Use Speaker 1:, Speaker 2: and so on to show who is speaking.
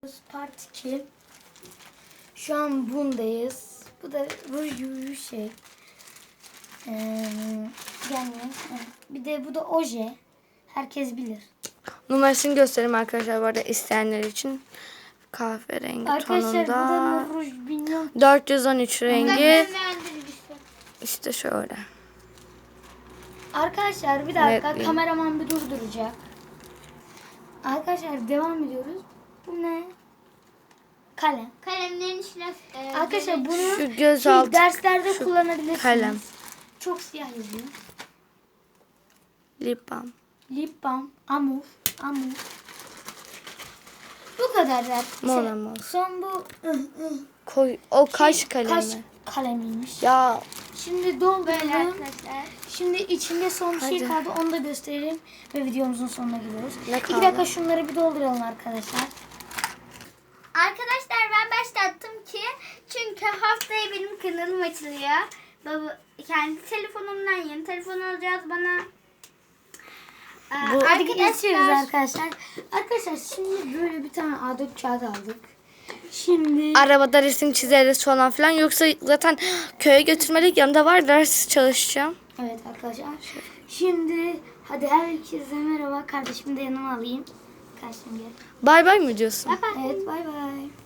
Speaker 1: Part 2. Şu an bundayız. Bu da ruj şey. Yani bir de bu da oje. Herkes bilir.
Speaker 2: Numarasını göstereyim arkadaşlar bu arada isteyenler için. Kahverengi
Speaker 1: Arkadaşlar bu da
Speaker 2: tonunda.
Speaker 1: ruj bilmiyorum.
Speaker 2: 413 rengi. İşte şöyle.
Speaker 1: Arkadaşlar bir dakika
Speaker 2: Netliğim.
Speaker 1: kameraman bir durduracak. Arkadaşlar devam ediyoruz. Bu ne? Kalem.
Speaker 3: Kalemlerin içine
Speaker 1: Arkadaşlar bunu
Speaker 2: Şu gözaltı
Speaker 1: derslerde
Speaker 2: şu
Speaker 1: kullanabilirsiniz.
Speaker 2: kalem.
Speaker 1: Çok siyah yazıyor.
Speaker 2: Lip balm.
Speaker 1: Lip balm, amur. Bu kadar da.
Speaker 2: Mor amur.
Speaker 1: Son bu
Speaker 2: Koy, o kaş kalemi.
Speaker 1: kaş kalemiymiş.
Speaker 2: Ya
Speaker 1: Şimdi
Speaker 3: böyle
Speaker 1: dolduralım.
Speaker 3: arkadaşlar.
Speaker 1: Şimdi içinde son bir şey
Speaker 2: Hadi.
Speaker 1: kaldı. Onu da gösterelim ve videomuzun sonuna gidiyoruz.
Speaker 2: Ne
Speaker 1: 2
Speaker 2: kaldı?
Speaker 1: dakika şunları bir dolduralım arkadaşlar.
Speaker 3: Arkadaşlar ben başlattım ki çünkü haftaya benim kanalım açılıyor. Baba kendi telefonumdan yeni telefon alacağız bana.
Speaker 1: Hadi geçiyoruz arkadaşlar. Arkadaşlar şimdi böyle bir tane A4 kağıdı aldık. Şimdi
Speaker 2: arabada resim çizeriz falan filan. Yoksa zaten köye götürmelik yanında var, ders çalışacağım.
Speaker 1: evet arkadaşlar. Şimdi hadi herkese merhaba. Kardeşimi de yanıma alayım. Kardeşim gel.
Speaker 2: Bay bay mı diyorsun?
Speaker 1: Evet bay bay.